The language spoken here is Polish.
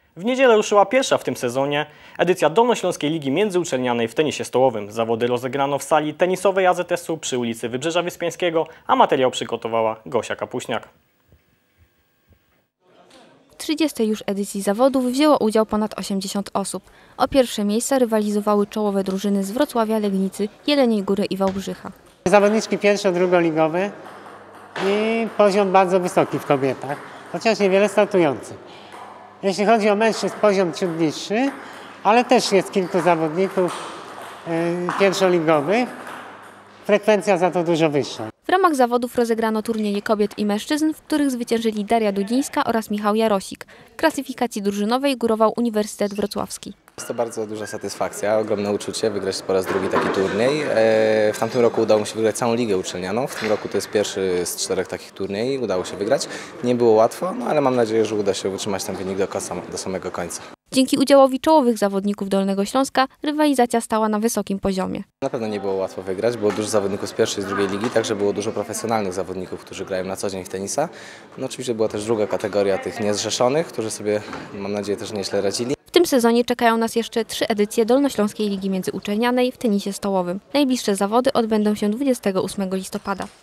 W niedzielę ruszyła pierwsza w tym sezonie edycja Dolnośląskiej Ligi Międzyuczelnianej w tenisie stołowym. Zawody rozegrano w sali tenisowej AZS-u przy ulicy Wybrzeża Wyspiańskiego, a materiał przygotowała Gosia Kapuśniak. W 30. już edycji zawodów wzięło udział ponad 80 osób. O pierwsze miejsca rywalizowały czołowe drużyny z Wrocławia, Legnicy, Jeleniej Góry i Wałbrzycha. Zawodniczki pierwszo-drugoligowe i poziom bardzo wysoki w kobietach, chociaż niewiele startujących. Jeśli chodzi o mężczyzn, poziom ciut niższy, ale też jest kilku zawodników pierwszoligowych. Frekwencja za to dużo wyższa. W ramach zawodów rozegrano turnieje kobiet i mężczyzn, w których zwyciężyli Daria Dudzińska oraz Michał Jarosik. W klasyfikacji drużynowej górował Uniwersytet Wrocławski. Jest to bardzo duża satysfakcja, ogromne uczucie wygrać po raz drugi taki turniej. W tamtym roku udało mi się wygrać całą ligę uczelnianą. W tym roku to jest pierwszy z 4 takich turniejów. Udało się wygrać. Nie było łatwo, ale mam nadzieję, że uda się utrzymać ten wynik do samego końca. Dzięki udziałowi czołowych zawodników Dolnego Śląska rywalizacja stała na wysokim poziomie. Na pewno nie było łatwo wygrać, było dużo zawodników z pierwszej i z drugiej ligi, także było dużo profesjonalnych zawodników, którzy grają na co dzień w tenisa. No oczywiście była też druga kategoria tych niezrzeszonych, którzy sobie, mam nadzieję, też nieźle radzili. W tym sezonie czekają nas jeszcze 3 edycje Dolnośląskiej Ligi Międzyuczelnianej w tenisie stołowym. Najbliższe zawody odbędą się 28 listopada.